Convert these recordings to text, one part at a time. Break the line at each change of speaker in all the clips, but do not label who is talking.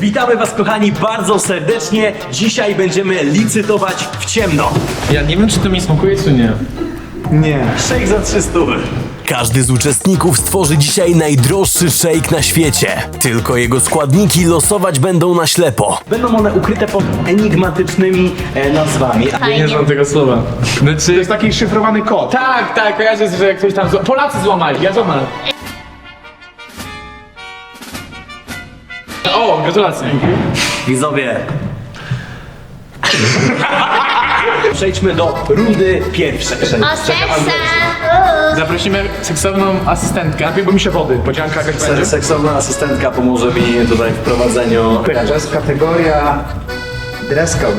Witamy was kochani bardzo serdecznie. Dzisiaj będziemy licytować w ciemno.
Ja nie wiem, czy to mi smakuje, czy nie.
Nie. Shake za 300.
Każdy z uczestników stworzy dzisiaj najdroższy shake na świecie. Tylko jego składniki losować będą na ślepo.
Będą one ukryte pod enigmatycznymi nazwami.
Nie znam tego słowa.
To
Znaczy...
jest taki szyfrowany kod.
Tak, kojarzę, że ktoś tam... Polacy złamali, ja złamałem. O, gratulacje.
Widzowie. Przejdźmy do rundy pierwszej.
O seksa!
Zaprosimy seksowną asystentkę.
Bo mi się wody, podzianka jakaś będzie.
Seksowna asystentka pomoże mi tutaj w prowadzeniu.
To jest kategoria dress code.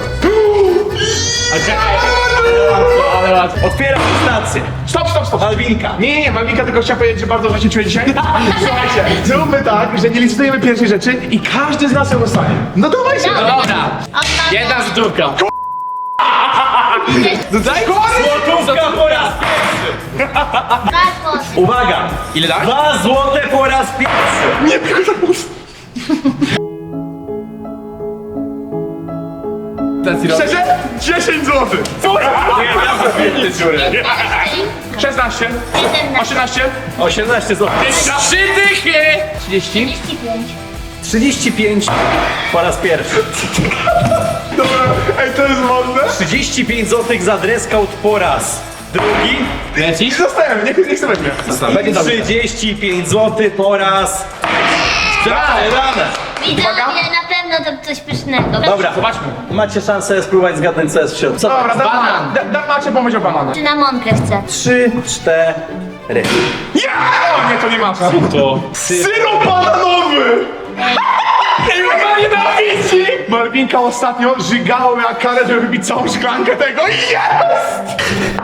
Ale łatwo.
Otwieram stację.
Stop!
Malwinka.
Nie, Malwinka, tylko chciałem powiedzieć, że bardzo właśnie czuję dzisiaj. Słuchajcie, zróbmy tak, że nie licytujemy pierwszej rzeczy i każdy z nas ją dostanie. No dawaj się!
Dobra, jedna złotówka. Tutaj?
Złotówka po raz pierwszy. Uwaga.
Ile dać?
2 złote po raz pierwszy.
Nie, tylko tak mocno. Szczerze? 10 zł. 16, 18,
18 zł.
3 dychy! 30?
35 po raz pierwszy.
dobra, ej, to jest mocne.
35 zł za dress code po raz drugi.
Lecisz?
Zostałem, niech sobie weźmie.
I 35 zł po raz rane.
Widzowie, na pewno to coś pysznego.
Dobra,
Zobaczmy.
macie szansę spróbować zgadnąć co jest w środku. Co to
Dobra,
jest?
Banan.
Macie pomysł o banana.
Cynamonkę chcę.
3, 4.
O nie, to nie ma.
To...
Syrop bananowy! Ej, ona nienawidzi! Malwinka ostatnio żygała miała karę, żeby wypić całą szklankę tego. Jest!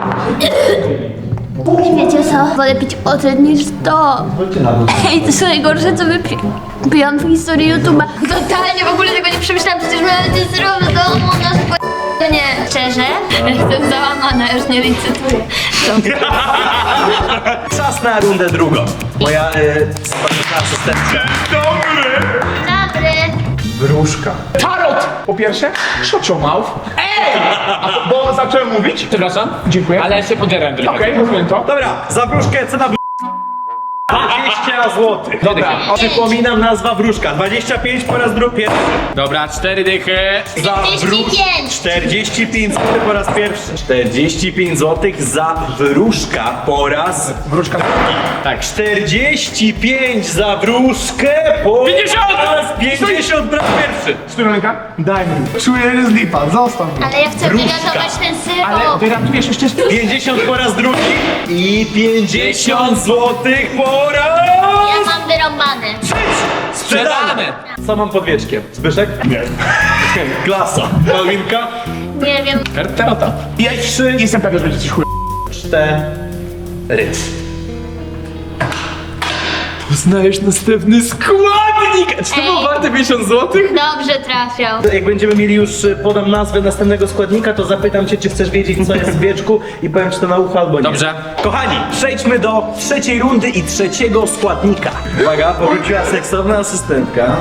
Wiecie co? Wolę pić ocet niż to. Ej, to są najgorsze, co wypiłam w historii YouTube'a. Totalnie w ogóle tego nie przemyślałam, przecież miałam to zrobić w domu na nie. Szczerze? Jestem załamana, już nie licytuję.
Czas na rundę drugą. Moja smaczna asystentka.
Dobry!
Dobry.
Wróżka. Tarot! Po pierwsze, shut your mouth. Ej! Bo zacząłem mówić.
Przepraszam?
Dziękuję.
Ale się poderam trochę.
Okej, rozumiem to.
Dobra, za wróżkę cena 20 zł.
Dobra.
Przypominam, nazwa wróżka. 25 po raz drugi.
Dobra, 4 dychy.
Za
45.
45 zł po raz pierwszy. 45 zł za wróżka po raz
Wróżka.
Tak.
45 za wróżkę po
50!
raz 50 po raz pierwszy.
Stój, ręka. Daj mi. Czuję, że jest lipa. Zostaw mnie.
Ale ja chcę
Wróżka.
wyratować ten
Ale
syrop.
wyratujesz jeszcze
50 po raz drugi i 50 zł po raz
Ja mam wyrąbane.
Sprzedane!
Co mam pod wieczkiem? Zbyszek? Nie. Klasa. Malwinka?
Nie wiem.
Tarota.
Ja 3. Jestem pewien, że będzie coś chuj.
4.
Poznajesz następny składnik! Czy to było
Ej.
warte 50 zł?
Dobrze trafiał.
Jak będziemy mieli już, podam nazwę następnego składnika, to zapytam cię, czy chcesz wiedzieć, co jest w wieczku i powiem, czy to na ucho albo nie.
Dobrze.
Kochani, przejdźmy do trzeciej rundy i trzeciego składnika. Uwaga, powróciła seksowna asystentka.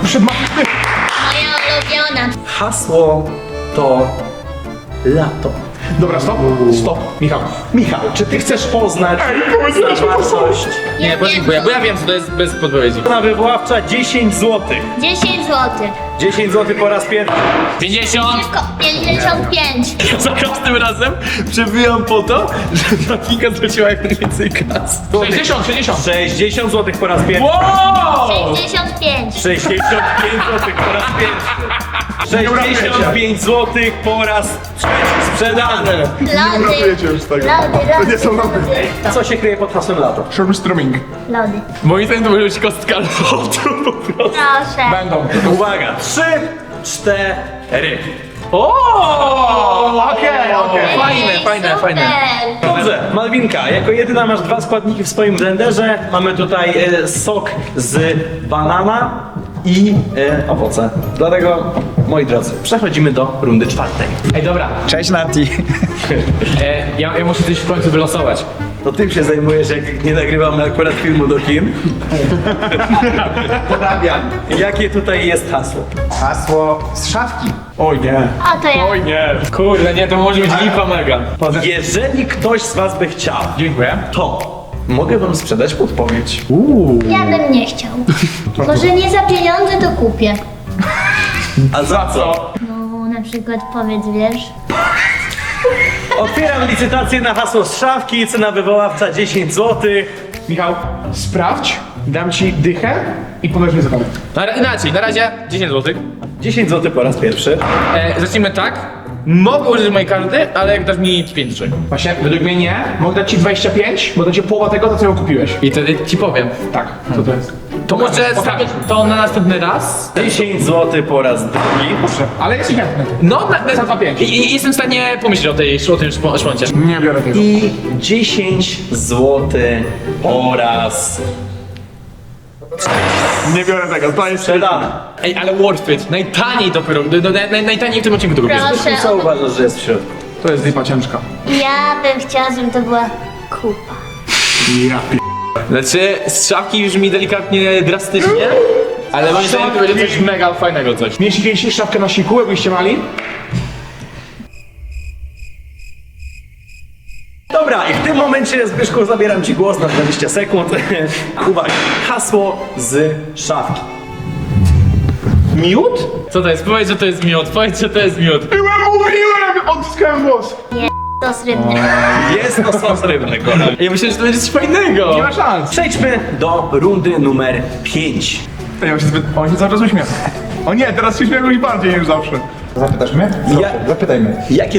Moja ulubiona.
Hasło to lato.
Dobra, stop. Stop. Michał.
Michał, czy ty chcesz poznać zawartość?
Nie, podziękuję, bo ja wiem, co to jest bez podpowiedzi.
Cena wywoławcza 10 zł.
10 zł.
10 zł po raz pierwszy.
50!
55.
Za każdym razem przebijam po to, że Martinka zwróciła jak najwięcej kas.
60.
60 zł po raz pierwszy.
Wow!
65.
65 zł po raz pierwszy. 65 zł po raz trzeci. Sprzedane.
Lody.
Uratujecie już z tego. To nie są lody.
Co się kryje pod hasłem lato?
Shurmströmming.
Lody.
Moim zdaniem to może być kostka lotu po prostu.
Proszę.
Będą.
Uwaga, 3, 4.
Okej.
Fajne.
Super.
Dobrze, Malwinka, jako jedyna masz 2 składniki w swoim blenderze. Mamy tutaj sok z banana i owoce. Dlatego, moi drodzy, przechodzimy do rundy czwartej.
Ej, dobra.
Cześć Nati.
Ja muszę coś w końcu wylosować.
to tym się zajmujesz, jak nie nagrywamy akurat filmu do kin.
Porabiam.
Jakie tutaj jest hasło?
Hasło z szafki. Oj nie.
A to ja.
Oj nie, kurde, nie, to może być lipa mega.
Jeżeli ktoś z was by chciał,
Dziękuję.
to mogę wam sprzedać podpowiedź.
Ja bym nie chciał. Może nie za pieniądze to kupię.
A za co?
No na przykład powiedz, wiesz.
Otwieram licytację na hasło z szafki, cena wywoławca 10 zł.
Michał, sprawdź, dam ci dychę i powiesz mi zadanie.
Inaczej, na razie 10 zł.
10 zł po raz pierwszy.
Zacznijmy tak. Mogę użyć mojej karty, ale jak dasz mi 5 rzeczy.
Właśnie, według mnie nie. Mogę dać ci 25, bo to ci połowa tego, co ją kupiłeś.
I wtedy ci powiem.
Tak, co to jest?
To może stawiać to na następny raz?
10 zł po raz drugi.
Proszę, ale jest i chętny.
No,
Za 2,5.
i jestem w stanie pomyśleć o tym szponcie.
Nie biorę tego.
I 10 zł po raz
Nie biorę tego, to jest...
sprzedane.
Ej, ale worth it. Najtaniej dopiero, najtaniej w tym odcinku to kupię.
Proszę.
Co uważasz, że jest w środku?
To jest lipa ciężka.
Ja bym chciała, żeby to była kupa.
Ja pi...
Znaczy, z szafki brzmi delikatnie drastycznie, ale moim zdaniem to będzie coś mega fajnego coś.
Mieliście kiedyś szafkę na siku, jakbyście mali?
Dobra, i w tym momencie, Zbyszku, zabieram ci głos na 20 sekund. Uwaga, hasło z szafki.
Miód? Co to jest? Powiedz, że to jest miód, powiedz, że to jest miód.
Mówiłem! Odzyskałem głos!
Sos rybny.
Jest to sos rybny, kochani.
Ja myślę, że to będzie coś fajnego.
Nie ma szans.
Przejdźmy do rundy numer 5.
Ja się zbyt... On się cały czas uśmiecha. O nie, teraz się śmieją już bardziej niż zawsze. Zapytasz mnie? Zapytajmy.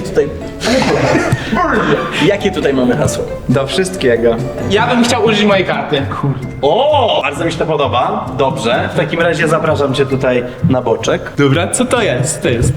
Jakie tutaj mamy hasło?
Do wszystkiego.
Ja bym chciał użyć mojej karty.
O, bardzo mi się to podoba. Dobrze, w takim razie zapraszam cię tutaj na boczek.
Dobra, co to jest? To jest.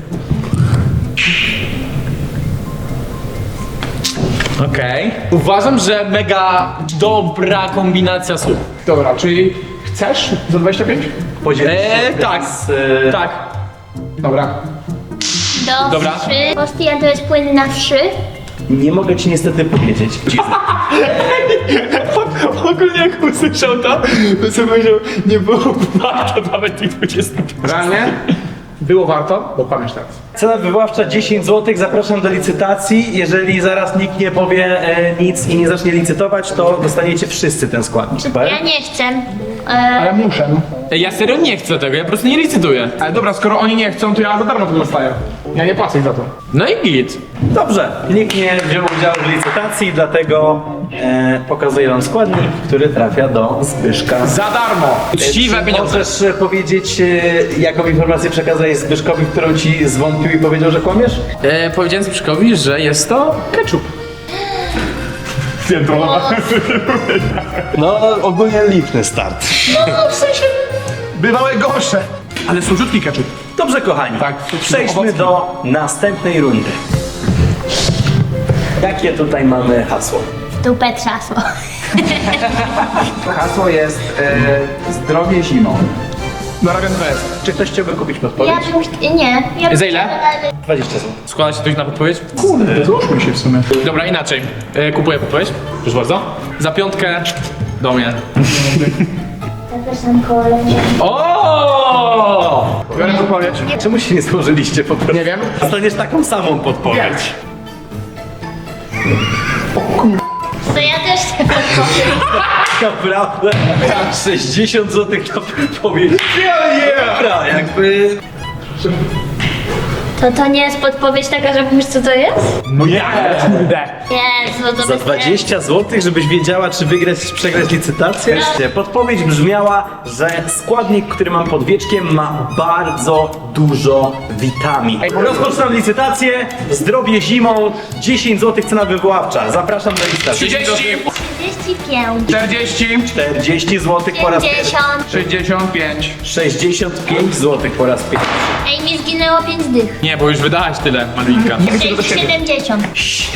Okej. Uważam, że mega dobra kombinacja słów.
Dobra, czyli chcesz za 25?
Podzielić się
Tak,
z,
tak.
Dobra.
Do
Dobra.
wszy. Postia to jest płyn na wszy.
Nie mogę ci niestety powiedzieć.
Ogólnie jak usłyszał to sobie powiedział, nie było warto nawet tych 20.
Realnie? Było warto, bo kłamiesz teraz.
Cena wywoławcza 10 zł, zapraszam do licytacji. Jeżeli zaraz nikt nie powie nic i nie zacznie licytować, to dostaniecie wszyscy ten składnik. Super?
Ja nie chcę.
Ale muszę.
Ej, ja serio nie chcę tego, ja po prostu nie licytuję.
Ale dobra, skoro oni nie chcą, to ja za darmo to dostaję. Ja nie płacę ich za to.
No i git.
Dobrze, nikt nie wziął udziału w licytacji, dlatego pokazuję wam składnik, który trafia do Zbyszka.
Za darmo!
Uczciwe
Czy
pieniądze.
możesz powiedzieć, jaką informację przekazałeś Zbyszkowi, którą ci zwątpił i powiedział, że kłamiesz?
Powiedziałem Zbyszkowi, że jest to ketchup.
No, ogólnie liczny start.
No w sensie...
Bywały gorsze. Ale słodziutki ketchup.
Dobrze, kochani,
Tak,
przejdźmy
owocny.
do następnej rundy. Jakie tutaj mamy hasło?
W dupę trzasło.
Hasło jest zdrowie zimą.
Narabiam to jest.
Czy ktoś chciałby kupić podpowiedź?
Ja bym... Nie. Ja bym
Za ile?
chciała-
20 zł.
Składa się ktoś na podpowiedź?
Kurde, złóżmy się w sumie.
Dobra, inaczej. Kupuję podpowiedź. Proszę bardzo. Za 5 do mnie.
Zapraszam koło leczenia.
O!
Biorę podpowiedź.
Czemu się nie złożyliście po prostu?
Nie wiem.
Dostaniesz taką samą podpowiedź.
To ja też chcę podpowiedź.
Naprawdę? 60 zł na podpowiedź. Dobra, jakby...
To nie jest podpowiedź taka, że wiesz co to jest?
No jak? Kurde.
Jezu, to
Za
bez
20 zł, żebyś wiedziała, czy wygrać, czy przegrać licytację? Podpowiedź brzmiała, że składnik, który mam pod wieczkiem, ma bardzo dużo witamin. Rozpoczynam licytację. Zdrowie zimą. 10 zł cena wywoławcza. Zapraszam do licytacji.
30!
35.
40.
40 zł po raz pierwszy.
50.
65.
65 zł po raz pierwszy.
Ej, mi zginęło 5 dych.
Nie, bo już wydałaś tyle, Malwinka.
70.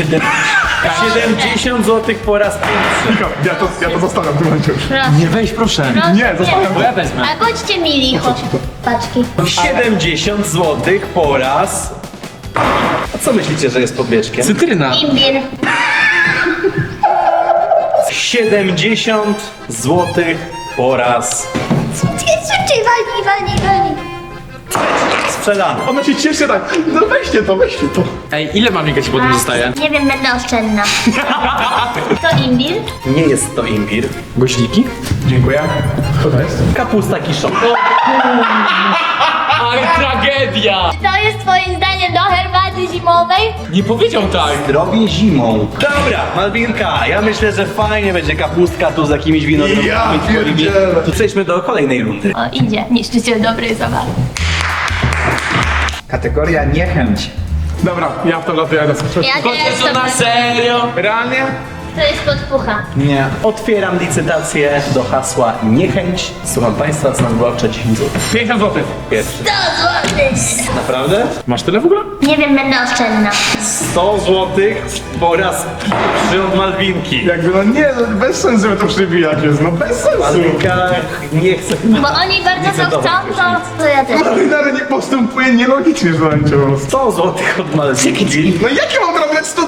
70 zł po raz pierwszy.
Ja to zostawiam w tym momencie już.
Proszę.
Nie, weź proszę.
Proszę.
Nie, zostawiam
Bo ja wezmę.
A bądźcie mili, chodź. Paczki.
70 zł po raz... A co myślicie, że jest pod wieczkiem?
Cytryna.
Imbir.
70 zł po raz
Szybciej, walnij.
sprzedany.
Ona się cieszy tak, no weźcie to.
Ej, ile Malwinka ci potem zostaje?
Nie wiem, będę oszczędna. To imbir.
Nie jest to imbir.
Goździki?
Dziękuję. Co to jest?
Kapusta kiszona.
Ale tragedia!
To jest twoim zdaniem do herbaty zimowej?
Nie powiedział tak.
Zdrowie zimą. Dobra, Malwinka, ja myślę, że fajnie będzie kapustka tu z jakimiś winogronami.
Ja
twoimi.
pierdzielę.
To przejdźmy do kolejnej rundy.
O, idzie. Niszczyciel dobrej zabawy.
Kategoria niechęć.
Dobra, ja w to latuję.
Ja nie
To
jestem.
na serio?
Realnie?
To jest podpucha.
Nie.
Otwieram licytację do hasła niechęć. Słucham Państwa, cena wywoławcza 10 zł.
50 zł.
Pierwszy.
100 złotych.
Naprawdę?
Masz tyle w ogóle?
Nie wiem, będę oszczędna.
100 zł po raz pierwszy od Malwinki.
Jakby no nie, no bez sensu, żeby to przybijać jest, no bez sensu.
Malwinka nie chce.
Bo oni bardzo to chcą, to ja też.
Marynary nie postępuje nielogicznie, że będzie po prostu.
100 zł od Malwinki.
No jakie mam robić 100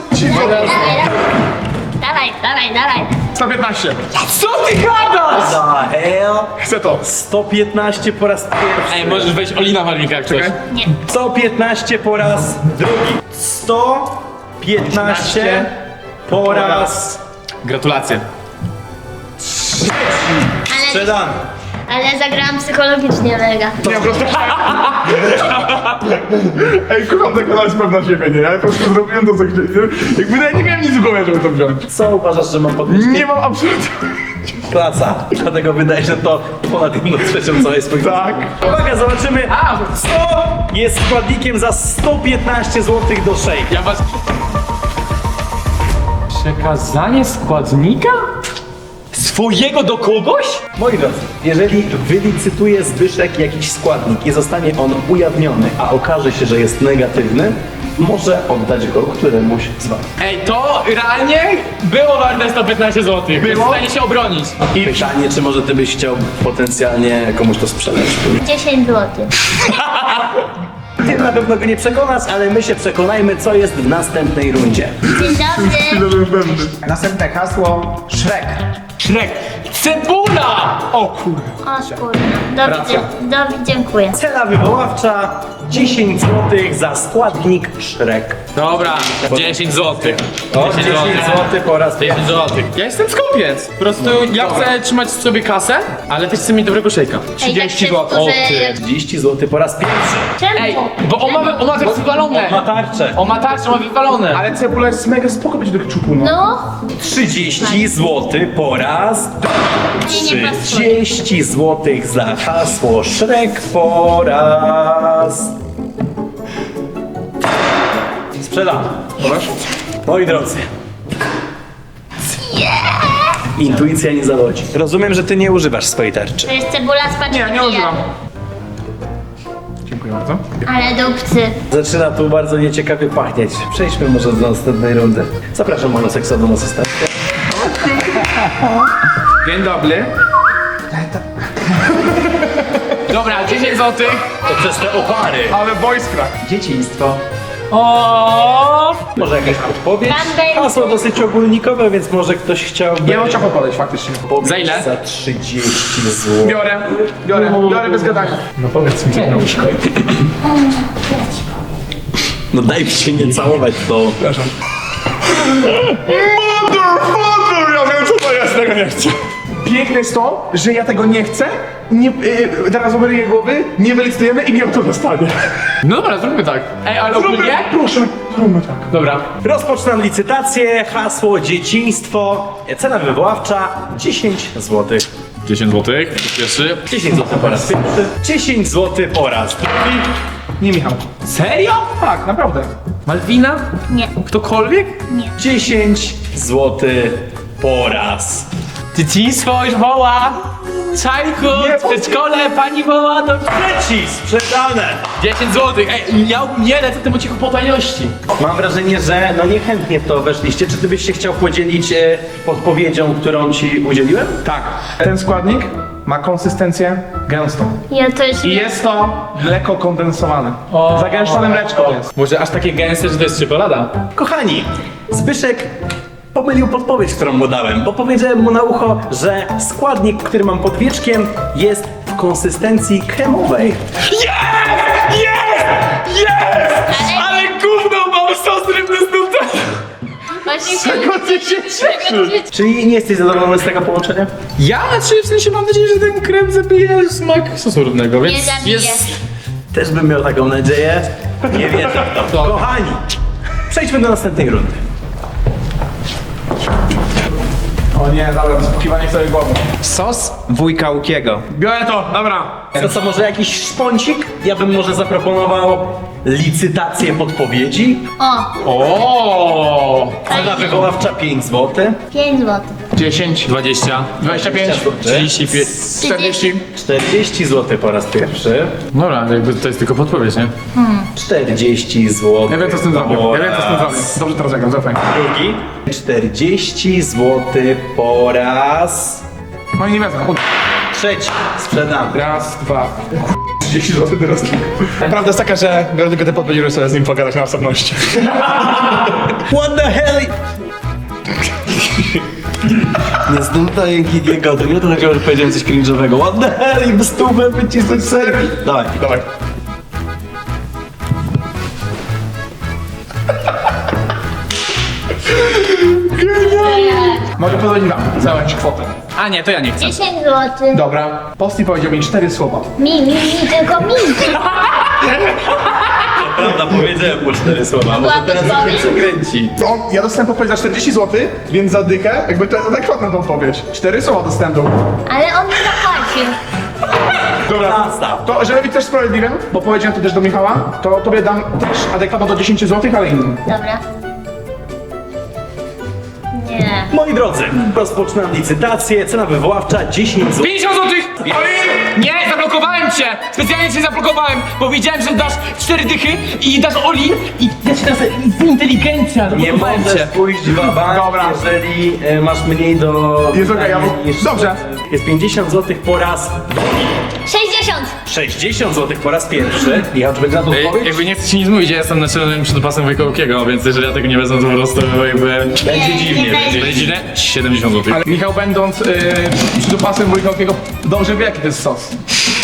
Dawaj.
115.
Co ty gadasz?
Za hell.
Chcę to.
115 po raz pierwszy.
Ej, możesz wejść Olina Malwinka jak coś.
Czekaj.
Nie.
115 po raz drugi. 115 po raz
Gratulacje.
sprzedany.
Ale zagrałam psychologicznie mega.
Nie, po prostu... Ej, kocham tak dać pewna siebie, nie? Ja po prostu zrobiłem to, co chciałem. Jakby ja nie miałem nic w głowie, żeby to wziąć.
Co uważasz, że mam podnieść?
Nie mam absolutnie...
Klasa. Dlatego wydaje się, że to ponad 1/3 całej swojej.
Tak.
Uwaga, zobaczymy. 100 jest składnikiem za 115 zł do shake.
Ja was... Przekazanie składnika? Swojego do kogoś?
Moi drodzy, jeżeli wylicytuje Zbyszek jakiś składnik i zostanie on ujawniony, a okaże się, że jest negatywny, może oddać go któremuś z was.
Ej, to realnie było warte 115 zł. Było? Jest w stanie się obronić.
I pytanie, czy może ty byś chciał potencjalnie komuś to sprzedać?
10 złotych.
Ty na pewno go nie przekonasz, ale my się przekonajmy, co jest w następnej rundzie.
Dzień dobry.
Następne hasło Shrek.
Shrek. Cebula! O kurde.
O kurna. Dziękuję.
Cena wywoławcza 10 zł za składnik Shrek.
Dobra, 10 zł.
10 zł po raz
10
pierwszy.
zł. Ja jestem skupiec. Po prostu ja chcę trzymać sobie kasę, ale też chcę mieć dobrego szejka.
30
zł. O ty.
30 zł po raz pierwszy.
Ej, bo on ma tak wywalone.
Ma tarczę.
On ma tarczę, ma wywalone.
Ale cebula jest mega spoko być do keczupu, no.
No.
30 zł po raz
Nie, nie pasuje.
30 zł za hasło Shrek po raz. Sprzedam. Moi drodzy. Intuicja nie zawodzi. Rozumiem, że ty nie używasz swojej tarczy.
To jest cebula z paczki.
Nie używam. Dziękuję bardzo.
Ale dupcy.
Zaczyna tu bardzo nieciekawie pachnieć. Przejdźmy może do następnej rundy. Zapraszam monoseksowną asystentkę.
Dzień dobry. Dobra, 10 zł.
To przez te opary.
Ale voice crack.
Dzieciństwo.
O.
Może jakaś podpowiedź?
Pan będzie.
Hasło dosyć ogólnikowe, więc może ktoś chciałby...
Ja mam ciacho podejść faktycznie.
Za ile?
Za 30 zł.
Biorę bez gadania. No powiedz mi, co miałeś.
No daj mi się nie całować to.
Mother! Ja wiem, co to jest, tego nie chcę. Piękne jest to, że ja tego nie chcę, nie, teraz oberuję głowy, nie wylicytujemy i mi to dostanie.
No dobra, zróbmy tak. Ej, ale ogólnie?
Proszę, zróbmy tak.
Dobra.
Rozpoczynam licytację. Hasło dzieciństwo. Cena wywoławcza 10 zł.
10 zł. Pierwszy.
10 zł po raz pierwszy. 10 zł po raz drugi.
Nie, Michał.
Serio?
Tak, naprawdę.
Malwina?
Nie.
Ktokolwiek?
10 zł po raz.
Dzieciństwo już woła. Czajku, w przedszkole pani woła do...
Trzeci sprzedane.
10 zł. Ej, ja nie lecę temu cichu po tajności.
Mam wrażenie, że no niechętnie w to weszliście. Czy ty byś się chciał podzielić podpowiedzią, którą ci udzieliłem?
Tak. Ten składnik ma konsystencję gęstą.
Ja to jest...
I jest to mleko kondensowane. Zagęszczone mleczko jest.
Może aż takie gęste, że to jest czekolada?
Kochani, Zbyszek pomylił podpowiedź, którą mu dałem, bo powiedziałem mu na ucho, że składnik, który mam pod wieczkiem, jest w konsystencji kremowej.
Ale gówno mam sos rybny z nutellą!
Właśnie
Czego ty się cieszysz?
Czyli nie jesteś zadowolony z tego połączenia?
Ja w sensie mam nadzieję, że ten krem zabije smak sosu rybnego, więc
Nie zabije.
Też bym miał taką nadzieję. Nie wierzę w to. Kochani, przejdźmy do następnej rundy.
O nie, dobra, wysłuchiwanie sobie głowy.
Sos wujka Łukiego.
Biorę to, dobra.
To co, może jakiś szponcik? Ja bym może zaproponował licytację podpowiedzi.
O!
Cena wywoławcza 5 zł.
5 zł.
10,
20,
25,
35.
40.
40 zł po raz pierwszy.
Dobra, jakby to jest tylko podpowiedź, nie?
40 zł.
Ja wiem co z tym zrobię, ja wiem co z tym zrobię. Dobrze teraz zagram, zaufaj.
Drugi. 40 zł po raz
No i nie wezmę.
trzeci. Sprzedam.
Raz, dwa. 30 zł teraz. Prawda jest taka, że biorę tylko te podpowiedzi, żeby sobie z nim pogadać na osobności.
What the hell? Nie zdumtaj Gigiego, to nie to takiego, że powiedziałem coś cringe'owego. What the hell? I bez stówę wycisnąć serwis. Dawaj.
Dawaj. Mogę podać wam całą kwotę.
A nie, to ja nie chcę.
10 zł.
Dobra. Posti powiedział mi 4 słowa.
Mi, tylko mi.
Prawda, powiedziałem po 4 słowa, może teraz się przekręci.
Ja dostałem podpowiedź za 40 zł, więc za dychę, jakby to jest adekwatna ta odpowiedź. 4 słowa dostałem do.
Ale on mi zapłacił.
Dobra.
Nastaw.
To, żeby być też sprawiedliwym, bo powiedziałem to też do Michała, to tobie dam też adekwatno do 10 zł, ale innym.
Dobra. Nie.
Moi drodzy, rozpoczynam licytację. Cena wywoławcza 10 zł.
50 złotych! Nie, zablokowałem cię! Specjalnie cię zablokowałem, bo wiedziałem, że dasz 4 dychy i dasz Oli i ja cię teraz z inteligencja
Nie
zablokowałem
możesz
cię.
pójść w bank,
Dobra.
jeżeli masz mniej do...
Jest okej, ja mu-
niż-
dobrze.
Jest 50 zł po raz
60.
60 zł po raz pierwszy. Michał, czy będzie na to odpowiedź?
Jakby nie chcę ci nic mówić, ja jestem naczelnym przydopasem Wojka Łukiego, więc jeżeli ja tego nie wezmę, to po prostu jakby...
Będzie dziwnie,
nie
będzie.
Będzie źle? 70 zł.
Ale Michał będąc przydupasem wujkowskiego dobrze wie jaki to jest sos.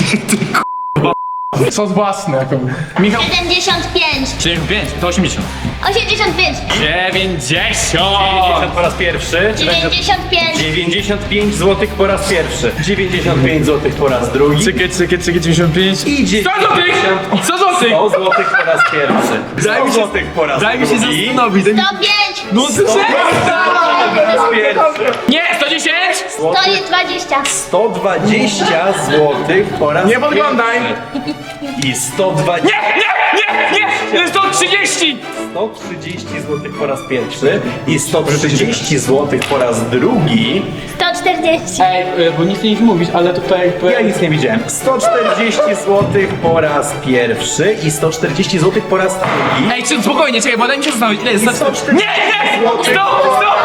Sos własny jako. Michał,
75.
75, to 80.
85.
90!
90 po raz pierwszy.
95.
95 zł po raz pierwszy. 95 zł po raz drugi.
Czekaj, 95.
I
100 złotych! 100 złotych!
100 zł po raz pierwszy. 100 zł po raz
Daj mi się
drugi.
zastanowić, daj mi...
105.
No
Po raz pierwszy.
Nie, 110!
120.
120 zł po raz
nie podglądaj!
pierwszy. I 120...
Nie! 130!
130 zł po raz pierwszy. I 130 zł po raz drugi.
140.
Ej, bo nic nie mówisz, ale tutaj jakby...
Ja nic nie widziałem. 140 zł po raz pierwszy i 140 zł po raz drugi.
Ej, czy spokojnie, czekaj, bo daj mi się zastanowić, ile jest...
140
Nie! Stop! Stop!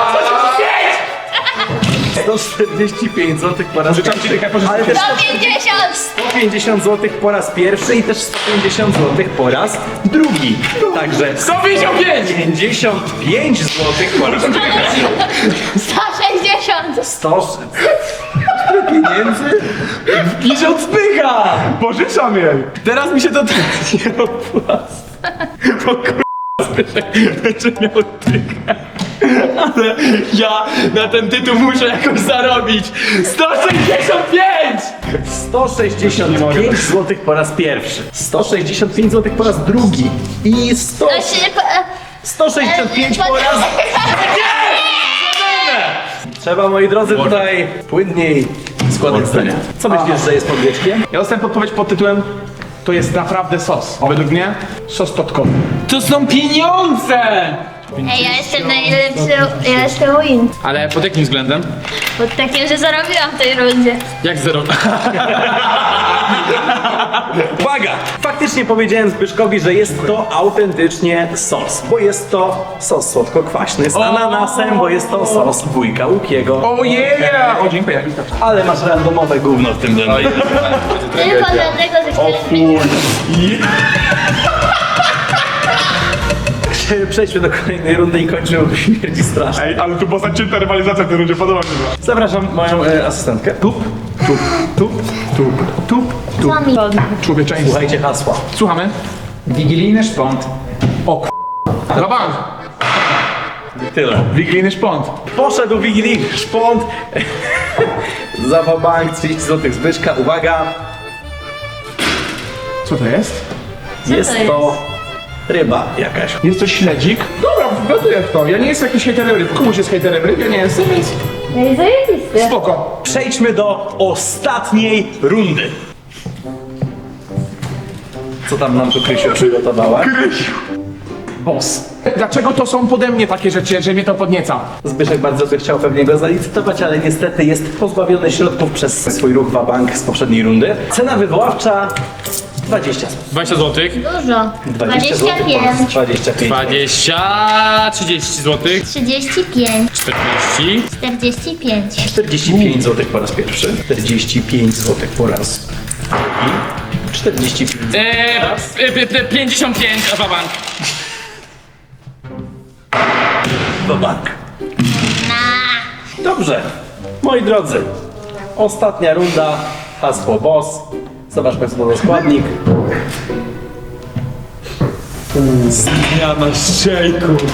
145 zł po raz
Życzam ci
pierwszy.
dychę, pożyczę.
Ale też
150.
150 zł po raz pierwszy i też 150 zł po raz drugi. Także
155!
55 zł po raz pierwszy.
160.
100 pieniędzy? I się odpycha!
Pożyczam jej!
Teraz mi się to nie opłaca. Bo będzie miał tykę. Ale ja na ten tytuł muszę jakoś zarobić. 165!
165 zł po raz pierwszy. 165 zł po raz drugi. I 165 po raz... Trzeba, moi drodzy, tutaj płynniej składać zdania. Co myślisz, że jest pod wieczkiem?
Ja dostałem podpowiedź pod tytułem to jest naprawdę sos. A według mnie sos totkowy.
To są pieniądze!
Ej, ja jestem najlepszy, ja jestem win.
Ale pod jakim względem?
Pod takim, że zarobiłam w tej rundzie.
Jak zero?
Uwaga! Faktycznie powiedziałem Zbyszkowi, że jest to autentycznie sos, bo jest to sos słodko-kwaśny z ananasem, bo jest to sos wujka Łukiego.
O yeah! O, dziękuję.
Ale masz randomowe gówno w tym zębie.
Tylko dlatego, że chciałem...
przejdźmy do kolejnej rundy i kończymy, bo śmierdzi strasznie.
Ej, ale tu była zacięta rywalizacja w tej rundzie, podoba mi się to.
Zapraszam moją asystentkę. Tup.
Z wami.
Człowieczeństwo.
Słuchajcie hasła.
Słuchamy.
Wigilijny szpont.
Zawam.
Tyle.
Wigilijny szpont.
Poszedł wigilijny szpont. Za bank 30 zł Zbyszka. Uwaga,
Co to jest?
jest
to
to ryba jakaś.
Jest to śledzik? Dobra, wgaduję w to. Ja nie jestem jakiś hejterem ryb. Komuś jest hejterem ryb? Ja nie jestem, więc
No i zajebisty.
spoko.
Przejdźmy do ostatniej rundy. Co tam nam tu Krysiu przygotowała?
Krysiu. Boss. Dlaczego to są pode mnie takie rzeczy, że mnie to podnieca?
Zbyszek bardzo by chciał pewnie go zalicytować, ale niestety jest pozbawiony środków przez swój ruch bank z poprzedniej rundy. Cena wywoławcza 20 zł.
20 zł.
Dużo.
20 zł
25.
25.
20, 30 zł.
35.
40.
45.
45 zł po raz pierwszy. 45 zł po raz drugi. 45 zł
55, a bank.
do bank. Dobrze. Moi drodzy, ostatnia runda. Hasło boss. Zobaczmy co to za składnik.
Zmiana szejków.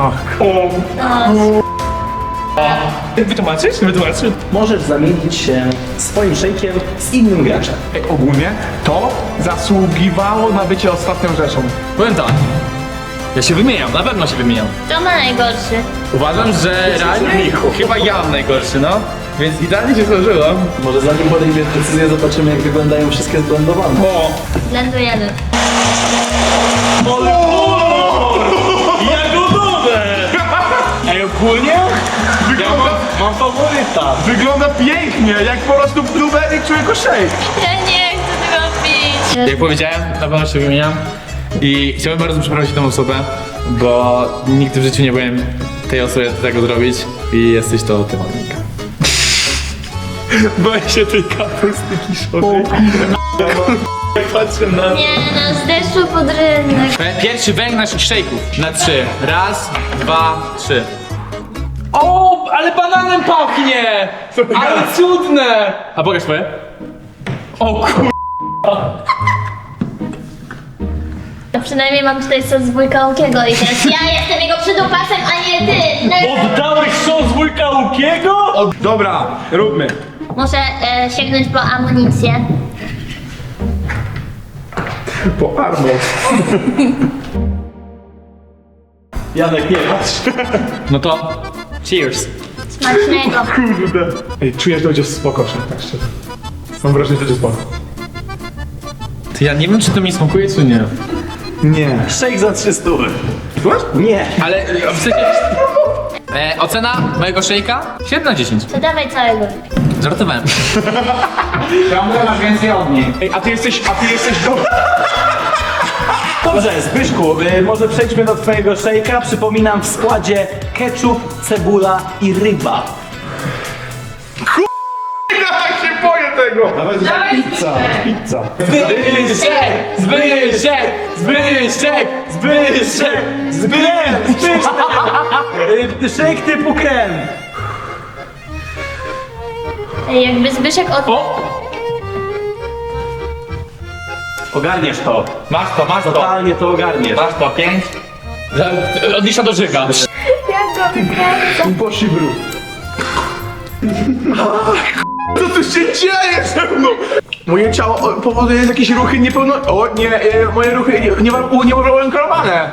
Wytłumaczysz? Wytłumaczysz?
Możesz zamienić się swoim szejkiem z innym graczem.
Ej, ogólnie to zasługiwało na bycie ostatnią rzeczą.
Powiem tak. Ja się wymieniam, na pewno się wymieniam.
Kto ma najgorszy?
Uważam, że realnie chyba ja mam najgorszy, no. Więc idealnie się złożyło.
Może zanim podejmiesz decyzję, zobaczymy jak wyglądają wszystkie zblendowane.
O!
Blendujemy.
Jagodowe! Ej, ogólnie? Mam faworyta.
Wygląda pięknie, jak po prostu blueberry człowieku shake.
Ja nie chcę tego pić.
Jak powiedziałem, na pewno się wymieniam. I chciałbym bardzo przeprosić tę osobę, bo nigdy w życiu nie byłem tej osobie tego zrobić. I jesteś to ty, Monika. Boję się tej kapusty kiszonej. Patrzę na...
Nie, no z deszczu pod rynek.
Pierwszy węg naszych szejków. Na 3. Raz, 2, 3. O, ale bananem pachnie! Ale cudne! A pokaż twoje. O kur...
To przynajmniej mam tutaj sos z wujka Łukiego i teraz ja jestem jego przydupasem, a nie ty. No,
Oddałeś sos wujka Łukiego?
Dobra, róbmy.
muszę sięgnąć po amunicję.
Po armo.
Janek, nie patrz.
No to... Cheers.
Smacznego.
Kurde. Ej, czujesz, że będzie spoko, tak szczerze. Mam wrażenie, że będzie spoko.
To ja nie wiem, czy to mi smakuje, czy nie.
Nie.
Szejk za 300.
Słuchasz?
Nie.
Ale w sensie... ocena mojego szejka? 7 na 10.
To dawaj całego.
Żartowałem.
Ciągle masz więcej od niej.
Ej, a ty jesteś dobry.
Dobrze, Zbyszku, może przejdźmy do twojego szejka. Przypominam, w składzie ketchup, cebula i ryba.
Ja tak się boję tego. Pizza.
Zbyszek! Zbyszek! Zbyszek! Zbyszek! Zbyszek!
Szejk typu krem.
Ej, jakby Zbyszek od...
O!
Ogarniesz to.
Masz to.
Totalnie to ogarniesz.
Masz to, 5. Odlicza do żyga.
Jak go wykręca?
Bosi brud. Co tu się dzieje ze mną? Moje ciało powoduje jakieś ruchy niepełno... O nie, moje ruchy nieuwarunkowane.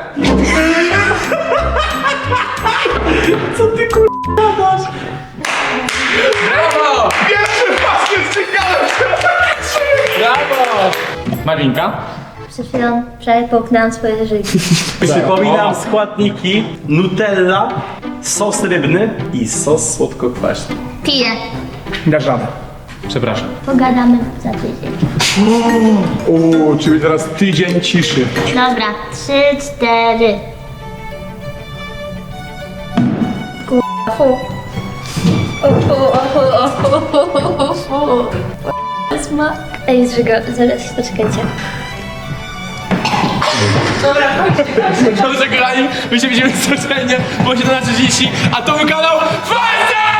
Co ty dasz?
Brawo!
Pierwszy raz jest ciekawe.
Brawo! Marinka?
Przed chwilą połknęłam swoje życie.
Przypominam składniki: Nutella, sos rybny i sos słodko-kwaśny.
Piję.
Dasz radę.
Przepraszam.
Pogadamy za tydzień.
Uuu, czyli teraz tydzień ciszy.
Dobra, 3, 4. Kurwa, fu. Smak. Ej, zżyga, zaraz, poczekajcie. Dobra,
Dobrze, kochani, my się widzimy codziennie po 17:30, a to był kanał FAJTA!